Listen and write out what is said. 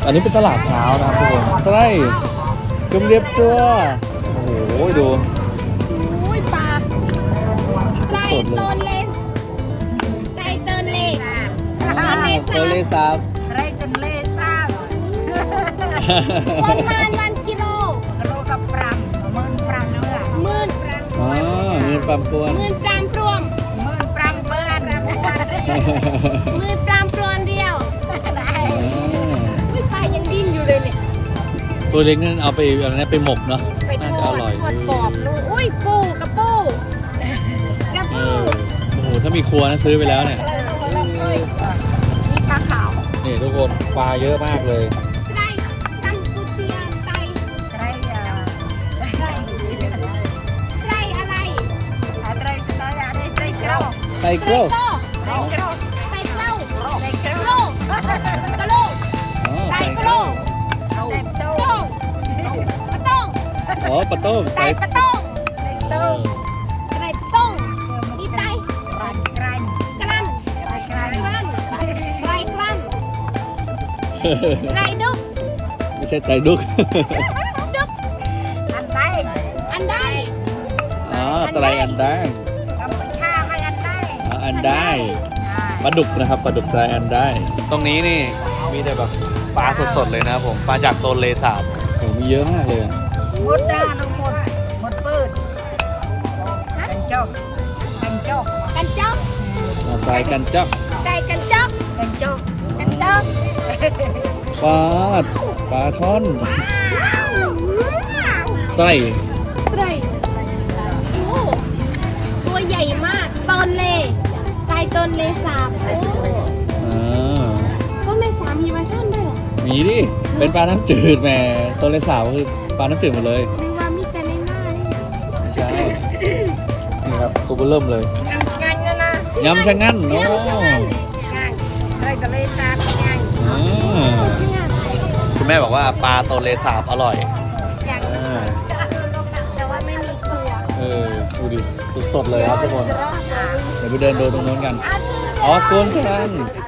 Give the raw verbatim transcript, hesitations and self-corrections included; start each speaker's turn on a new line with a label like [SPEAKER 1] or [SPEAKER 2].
[SPEAKER 1] อันนี้เป็นตลาดเช้านะครับทุกคนใช่จุ่มเรียบซัวโอ้โหดู
[SPEAKER 2] อุ้ยปลาไก่
[SPEAKER 1] สดเลย
[SPEAKER 2] ต้นเล็กไก่ต้นเล็ก
[SPEAKER 1] อ่าเตอร์เลซาบ
[SPEAKER 3] ไรกันเล่ซ่า
[SPEAKER 2] ประมาณวันกิโล
[SPEAKER 3] กระโดดกับปรำหมื่นปรำเมื่อ
[SPEAKER 2] หมื่น
[SPEAKER 1] อ๋อเงินปั๊มตัว
[SPEAKER 2] หมื่นปรามพรวม
[SPEAKER 3] หมื่นปรำเมื่อ
[SPEAKER 2] หมื่นปรามพรวนเดียวอุ้ยปลายังดิ้นอยู่เลยเนี่ย
[SPEAKER 1] ตัวเล็กนั่นเอาไปอะไรนะไปหมกเนาะ
[SPEAKER 2] ไปท
[SPEAKER 1] น่า
[SPEAKER 2] อ
[SPEAKER 1] จะอ
[SPEAKER 2] ด
[SPEAKER 1] ร่อย
[SPEAKER 2] ทอดกรอบลูกอุ้ยปูกระปูกระ
[SPEAKER 1] เอ
[SPEAKER 2] ปู
[SPEAKER 1] อโอ้โหถ้ามีครัวนะซื้อไปแล้วเนี่ย
[SPEAKER 2] มีปลาขาว
[SPEAKER 1] นี่ทุกคนปลาเยอะมากเลย
[SPEAKER 2] ไก่กัมพูเชียไก่
[SPEAKER 3] ไรอ่ะไร
[SPEAKER 2] ไก่อะไร
[SPEAKER 3] ไรสไตล์อะไรไรกระโดด
[SPEAKER 1] ไก่เกลียว
[SPEAKER 2] โต
[SPEAKER 3] ไรกระโดด
[SPEAKER 2] ไก่เกล้า
[SPEAKER 3] ไรกระ
[SPEAKER 2] ก
[SPEAKER 3] โด
[SPEAKER 2] ระโล
[SPEAKER 3] ด
[SPEAKER 2] กกระโลก
[SPEAKER 1] อ๋อ
[SPEAKER 2] ไก่
[SPEAKER 1] ไก่
[SPEAKER 2] กระโลก
[SPEAKER 3] เต็มโต
[SPEAKER 2] โต้งปะต้ง
[SPEAKER 1] อ๋อปลาต้ม
[SPEAKER 2] ไก่
[SPEAKER 1] ไก่
[SPEAKER 2] ปะต้ง
[SPEAKER 3] เต็ม
[SPEAKER 1] เอ
[SPEAKER 3] โต
[SPEAKER 1] อ
[SPEAKER 2] ไก่ปะต้งมีไต
[SPEAKER 3] รันกรัน
[SPEAKER 2] กระลัน
[SPEAKER 3] ไรกรัน
[SPEAKER 2] กระลันไก่กระลันไก่ดุก
[SPEAKER 1] ไม่ใช่ไก่ดุก
[SPEAKER 2] ดุก
[SPEAKER 3] อันใด
[SPEAKER 2] อันได้
[SPEAKER 1] อ๋อไตรอันได้
[SPEAKER 3] กัมพูชาไม่อันใด
[SPEAKER 1] อ๋ออันได้ปลาดุกนะครับปลาดุกไตรอันได้ ตรงนี้นี่มีแต่แบบปลาสดๆเลยนะครับผมปลาจากโตนเลสาบโอ้มีเยอะมากเลยอะ
[SPEAKER 3] หมดด้าน้องหมดหมดปืนกันจกกันจก
[SPEAKER 2] กันจ๊อก
[SPEAKER 1] อ่าไตรกันจับ
[SPEAKER 2] ไก่กันจ๊อก
[SPEAKER 3] กันจก
[SPEAKER 2] กันจ๊อก
[SPEAKER 1] ปลาปลาช่อนไตร
[SPEAKER 2] ไตรโอ้ตัวใหญ่มากตอนเลไก่ตอนเลสาบโอ้
[SPEAKER 1] อ่า
[SPEAKER 2] ต้นเลสาบมีมาช่อนด้วยเหรอ
[SPEAKER 1] มีดิเป็นปลาน้ำจืดแหมโตนเลสาบก็คือปลาน้ำจืดหมดเลย
[SPEAKER 2] หรือว่ามีแต่ในหน้านี่
[SPEAKER 1] ไม่ใช่ นี่ครับตัวเบอร์เริ่มเลย
[SPEAKER 3] ยำงันนะนะ
[SPEAKER 1] ยำชะงั่นโอ้
[SPEAKER 2] ยำชะงั่น
[SPEAKER 3] งันไรทะเลสาบงัน
[SPEAKER 1] อ่า
[SPEAKER 2] ชะงั่น
[SPEAKER 1] คุณแม่บอกว่าปลาโตนเลสาบอร่อย
[SPEAKER 2] อย่าง
[SPEAKER 1] อ่า
[SPEAKER 2] แต่ว่าไม่มีครัว
[SPEAKER 1] เออดูดิสดๆเลยครับทุกคน
[SPEAKER 2] รอดอ่ะ
[SPEAKER 1] เดี๋ยวไปเดินดูตรงนู้นกัน
[SPEAKER 2] อ่ะ
[SPEAKER 1] อ๋อกวนกัน